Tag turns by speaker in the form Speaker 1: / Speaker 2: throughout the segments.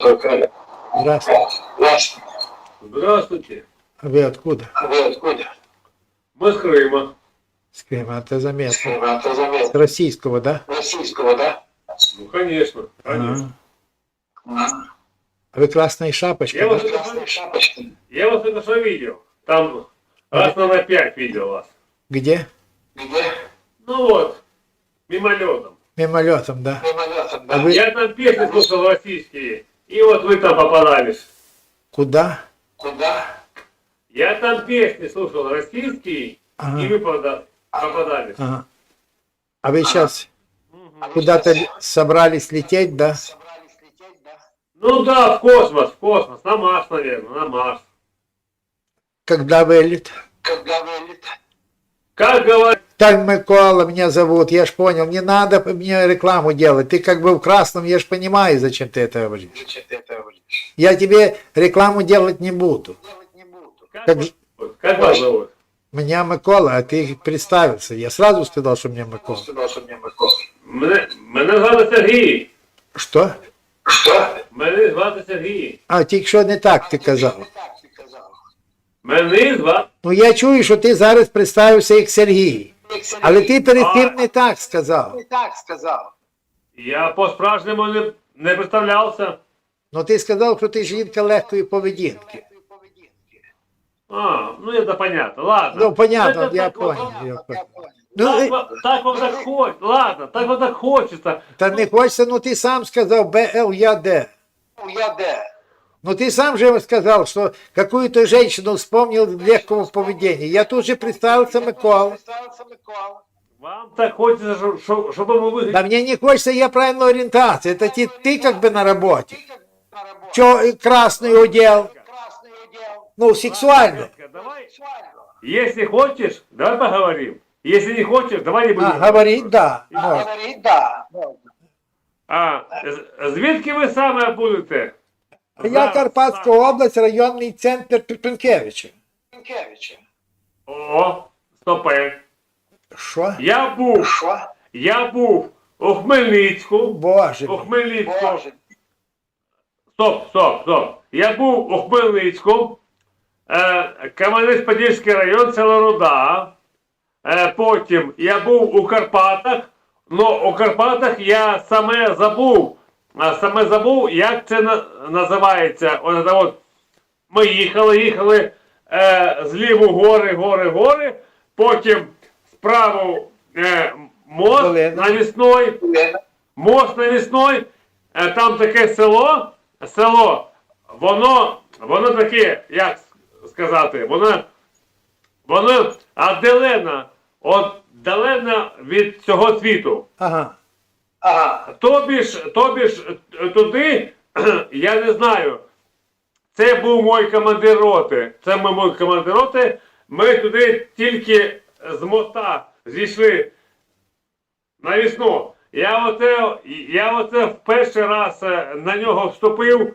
Speaker 1: Здравствуйте.
Speaker 2: Здравствуйте.
Speaker 1: Здравствуйте.
Speaker 2: А вы откуда?
Speaker 1: Мы с Крыма.
Speaker 2: С Крыма, это заметно.
Speaker 1: Это
Speaker 2: С
Speaker 1: заметно.
Speaker 2: российского, да?
Speaker 1: Российского, да? Ну, конечно, конечно.
Speaker 2: А вы красная шапочка,
Speaker 1: Я
Speaker 2: да?
Speaker 1: вас только что видел. Там раз на 5 видел вас.
Speaker 2: Где?
Speaker 1: Ну вот, мимолетом.
Speaker 2: Мимолетом, да? А вы
Speaker 1: Я там песни слушал российские, и вот вы там попадались.
Speaker 2: куда?
Speaker 1: Я там песни слушал российские,
Speaker 2: Ага.
Speaker 1: и вы попадались.
Speaker 2: Ага. А вы сейчас куда-то собрались лететь, да?
Speaker 1: Ну да, в космос, на Марс, наверное, на Марс.
Speaker 2: Когда вылет?
Speaker 1: Как говорят,
Speaker 2: Так, Микола меня зовут, я ж понял, не надо мне рекламу делать. Ты как бы в красном, я ж понимаю, зачем ты это говоришь. Я тебе рекламу делать не буду.
Speaker 1: как вас зовут?
Speaker 2: Меня Микола, а ты представился. Я сразу сказал, что меня Микола.
Speaker 1: Мене звати Сергій.
Speaker 2: Что?
Speaker 1: Мене звати Сергій.
Speaker 2: А, тільки що не так ти казав.
Speaker 1: Мене звати.
Speaker 2: Ну я чую, що ти зараз представився як Сергій. Але ти перед тим не так сказав.
Speaker 1: Я по-справжньому не представлявся.
Speaker 2: Ну ти сказав, що ти жінка легкої поведінки.
Speaker 1: А, ну это понятно, ладно.
Speaker 2: Ну, понятно,
Speaker 1: Это
Speaker 2: я
Speaker 1: так вот,
Speaker 2: понял. Я понял.
Speaker 1: Так,
Speaker 2: Ну,
Speaker 1: так вот так хочется, ладно, так вот так хочется.
Speaker 2: та не хочеться, ну ти сам сказав БЛЯД. Ну ты сам же сказал, что какую-то женщину вспомнил легкого поведения. Я тут же представился Микола.
Speaker 1: Вам так хочется, чтобы мы выглядели.
Speaker 2: Да мне не хочется, я правильной ориентации. Это ты как бы на работе. Че красный удел? Ну, сексуально.
Speaker 1: Детка, давай, если хочешь, давай поговорим. Если не хочешь, давай не будем.
Speaker 2: Говорить, да. Можно.
Speaker 1: Звідки ви саме будете?
Speaker 2: Я Карпатська область, районний центр Пінкевича.
Speaker 1: О, стопе.
Speaker 2: Що?
Speaker 1: Я був у Хмельницьку.
Speaker 2: Боже.
Speaker 1: У Хмельницьку. Стоп. Я був у Хмельницьку. Кам'янець-Подільський район, село Руда. Потім я був у Карпатах. Ну, у Карпатах я саме забув, як це називається. От, ми їхали зліву гори, потім справу мост навісной, там таке село, воно таке, як сказати, воно віддалено від цього світу.
Speaker 2: Ага.
Speaker 1: Тобі ж туди, я не знаю, це був мій командир роти. Ми туди тільки з моста зійшли навісну. Я оце в перший раз на нього вступив.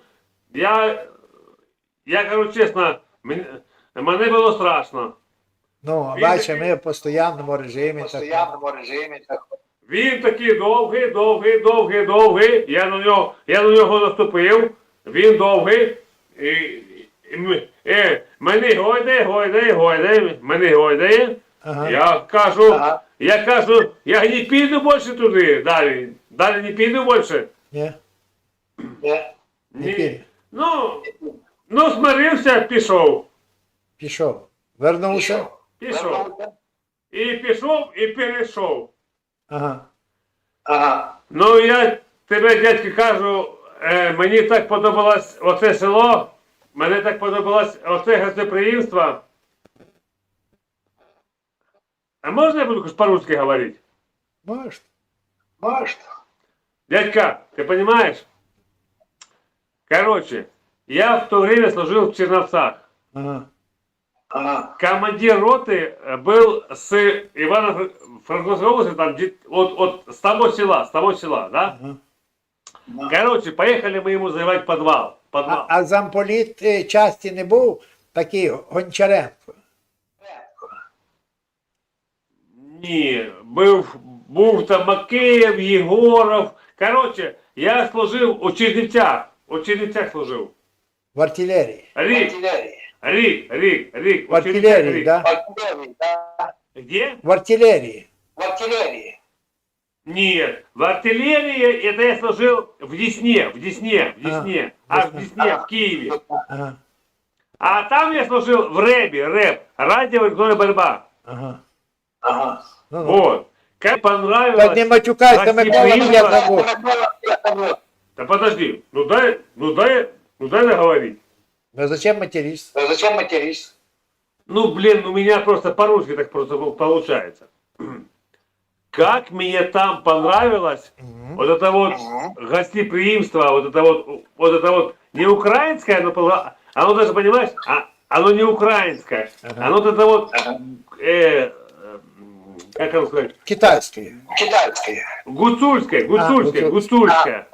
Speaker 1: Я кажу чесно, мене було страшно.
Speaker 2: Ну, бачите, ми в постійному режимі.
Speaker 1: Він такий довгий, я на нього наступив, він довгий, мене гойдає,
Speaker 2: Ага.
Speaker 1: я кажу, я не піду більше туди, далі не піду більше.
Speaker 2: Ні? Не піде.
Speaker 1: Ну, смирився, пішов.
Speaker 2: Пішов. Вернувся?
Speaker 1: І пішов, і перейшов.
Speaker 2: Ага.
Speaker 1: Ну, я тебе, дядьки, кажу, мені так подобалось оце село, мені так подобалось оце гостеприимство. А можна я буду по-русски говорить?
Speaker 2: Может.
Speaker 1: Дядька, ты понимаешь? Короче, я в то время служил в Черновцах.
Speaker 2: Ага.
Speaker 1: Командир роты был с Ивано-Франковской области, там, с того села, да?
Speaker 2: Ага.
Speaker 1: Короче, поехали мы ему заливать подвал.
Speaker 2: А замполіт часті не був такий Гончаренко?
Speaker 1: Ні, був там Макеєв, Єгоров. Короче, я служив у Чернівцях. У Чернівцях служив.
Speaker 2: В артилерії.
Speaker 1: Рік, рік.
Speaker 2: В артилерії, да?
Speaker 1: Где?
Speaker 2: В артилерії.
Speaker 1: Нет, в артиллерии это я служил в Десне, аж в Десне, в Киеве.
Speaker 2: Ага.
Speaker 1: А там я служил в рэп, радиоэлектронная борьба.
Speaker 2: Ага. Ну.
Speaker 1: Вот. Как понравилось...
Speaker 2: Так не матюкайся, Микола,
Speaker 1: гостеприимство-
Speaker 2: я забув.
Speaker 1: Да подожди, ну дай договорить.
Speaker 2: Ну зачем материшься?
Speaker 1: Ну, блин, у меня просто по-русски так просто получается. Как мне там понравилось вот это вот гостеприимство, вот это вот не украинское, оно даже, понимаешь, оно не украинское, оно вот это вот, как оно сказать,
Speaker 2: Китайської.
Speaker 1: гуцульское.
Speaker 2: гуцульское.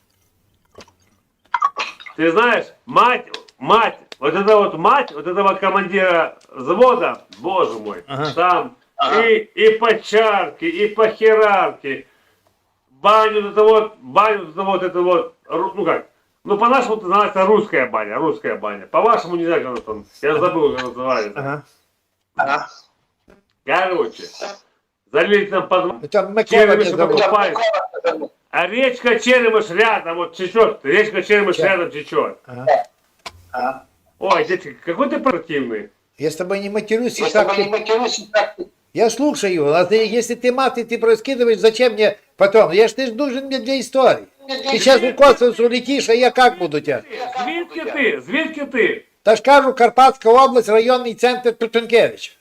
Speaker 1: Ты знаешь, мать, вот этого командира взвода, боже мой,
Speaker 2: Ага.
Speaker 1: там и по чарке, и по херарке, баню это вот, ну как, ну по-нашему это называется русская баня, по-вашему не знаю, как она там, я забыл, как называется.
Speaker 2: Ага.
Speaker 1: Короче, залили там под
Speaker 2: Там Микола не
Speaker 1: Черемиш
Speaker 2: забув.
Speaker 1: покупает, а речка Черемиш рядом вот течет, рядом течет.
Speaker 2: Ага.
Speaker 1: Ой, дядька, какой ты противный.
Speaker 2: Я с тобой не матерюсь, и так ты... Я слушаю, а если ты маты, ты проскидываешь, зачем мне потом? Ты ж нужен мне для истории. Ты сейчас в космос улетишь, а я как буду тебя?
Speaker 1: Звідки ти?
Speaker 2: Та ж кажу, Карпатська область, районний центр Тутункевич.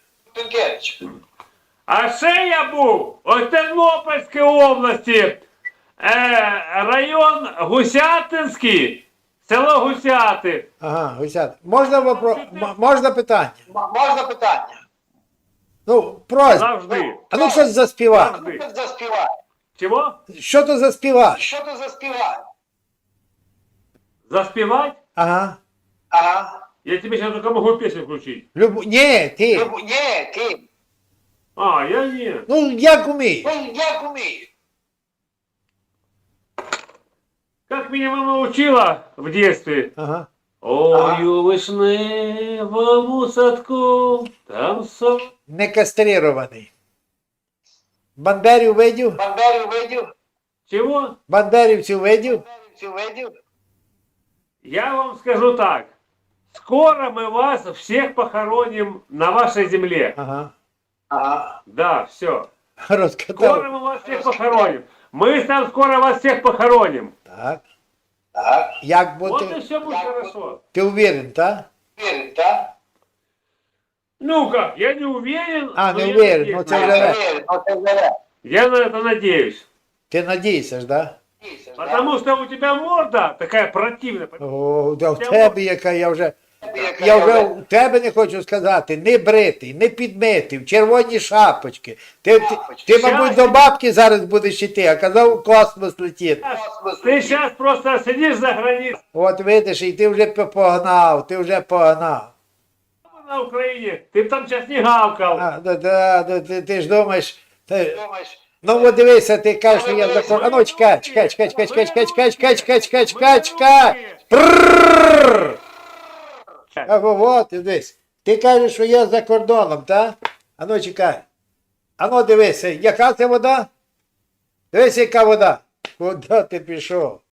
Speaker 1: А ще я був у Тернопільській області, район Гусятинський, село Гусяти.
Speaker 2: Ага, Гусят. Можна питання? Ну, просьба.
Speaker 1: Завжди.
Speaker 2: А ну щось заспівай.
Speaker 1: Завжди. Чого?
Speaker 2: Що то заспівай?
Speaker 1: Заспівати?
Speaker 2: Ага.
Speaker 1: Я тебе сейчас только могу песню включить.
Speaker 2: Ні, ти.
Speaker 1: А, я не.
Speaker 2: Ну, як умієш?
Speaker 1: Как меня мама учила в детстве.
Speaker 2: Ага.
Speaker 1: Ой, у вишневому садку, там сон.
Speaker 2: Не кастрирований. Бандерів видів?
Speaker 1: Чего?
Speaker 2: Бандерівців видів?
Speaker 1: Я вам скажу так. Скоро мы вас всех похороним на вашей земле.
Speaker 2: Ага.
Speaker 1: Да, все.
Speaker 2: Розкатав.
Speaker 1: Скоро мы вас всех похороним. Мы там скоро вас всех похороним.
Speaker 2: Так. Як
Speaker 1: Вот и
Speaker 2: бути?
Speaker 1: все будет хорошо.
Speaker 2: Ти уверен, так?
Speaker 1: Ну как, я не уверен.
Speaker 2: А,
Speaker 1: но
Speaker 2: не
Speaker 1: я
Speaker 2: уверен,
Speaker 1: надеюсь.
Speaker 2: ну це вже.
Speaker 1: Я на это надеюсь.
Speaker 2: Ти надійся ж, так?
Speaker 1: Потому что у тебя морда такая противная.
Speaker 2: О, да в тебе яка, я вже в тебе не хочу сказати, не бритий, не підмитий, в червоні шапочки. Ти, мабуть, до бабки зараз будеш йти, а казав у космос летіти.
Speaker 1: Ты сейчас просто сидишь за границей
Speaker 2: От видиш, і ти вже погнав,
Speaker 1: на Украине. Ты б там сейчас не гавкал.
Speaker 2: Ти ж думаєш, ну от дивися, ти кажеш, що я за кордоном. А ну чекай. Пррррррр. А от, дивись. Ти кажеш, що я за кордоном, так? А ну чекай. А ну дивися, яка це вода? Дивись, яка вода. Куди ти пішов?